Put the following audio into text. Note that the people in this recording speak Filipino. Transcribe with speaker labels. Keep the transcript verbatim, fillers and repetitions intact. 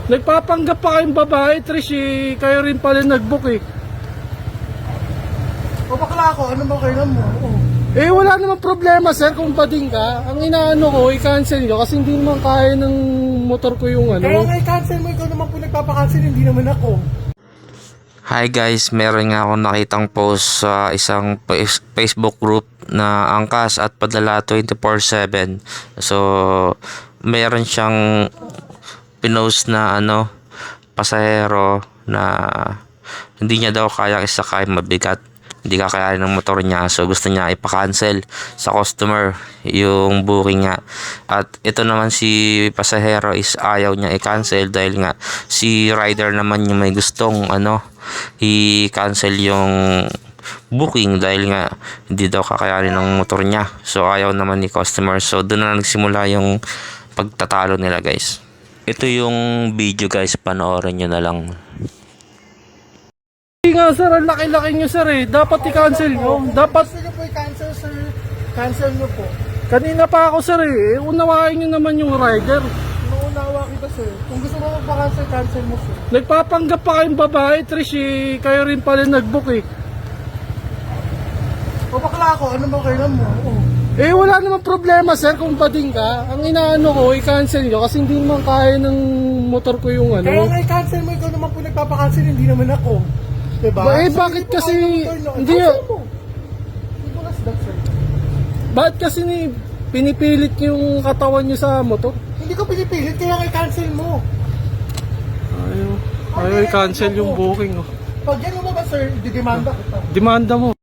Speaker 1: Nagpapanggap pa kayong babae, Trish, eh. Kayo rin pala nag-book eh.
Speaker 2: O bakla ako, ano ba kailan mo? Oo.
Speaker 1: Eh wala namang problema sir kung bading ka. Ang inaano ko, i-cancel nyo kasi hindi naman kaya ng motor ko yung ano.
Speaker 2: Kaya nga i-cancel mo, ikaw naman po nagpapakancel, hindi naman ako.
Speaker 3: Hi guys, meron nga akong nakitang post sa isang Facebook group na Angkas at Padala twenty-four seven. So, meron siyang pinost na ano, pasahero na hindi niya daw kaya isakay, mabigat. Hindi kakayanin ng motor niya, so gusto niya ipa-cancel sa customer yung booking nga. At ito naman si pasahero is ayaw niya i-cancel dahil nga si rider naman yung may gustong ano i-cancel yung booking dahil nga hindi daw kakayanin ng motor niya. So ayaw naman ni customer, so doon na nagsimula yung pagtatalo nila guys. Ito yung video guys, panoorin nyo na lang.
Speaker 1: Hindi nga sir, ang laki-laki nyo sir eh. Dapat i-cancel nyo. Dapat,
Speaker 2: Gusto nyo po i-cancel, sir. Cancel nyo po.
Speaker 1: kanina pa ako sir eh. Unawain nyo naman yung rider.
Speaker 2: Nauunawa kita, sir. Kung gusto mo magpa-cancel, cancel mo, sir.
Speaker 1: Nagpapanggap pa kayong babae, Trish, eh. Kayo rin pala nag-book eh.
Speaker 2: O bakla ako, ano ba kailan mo? Oo.
Speaker 1: Eh wala namang problema sir kung bading ka. Ang inaano ko, i-cancel nyo kasi hindi naman kaya ng motor ko yung ano.
Speaker 2: Kaya nga i-cancel mo, ikaw naman po nagpapakancel, hindi naman ako. Diba?
Speaker 1: Ba, eh,
Speaker 2: So,
Speaker 1: bakit
Speaker 2: hindi po
Speaker 1: kasi-
Speaker 2: kayo motor, no?
Speaker 1: hindi
Speaker 2: Cancel
Speaker 1: yun.
Speaker 2: mo. Hindi mo that, sir.
Speaker 1: Bakit kasi ni pinipilit yung katawan nyo sa motor?
Speaker 2: Hindi ko pinipilit, kaya nga i-cancel mo.
Speaker 1: Ayaw. Ayaw i-cancel yung booking. Oh.
Speaker 2: Pag yan mo ba, sir, didemanda kita.
Speaker 1: Demanda mo.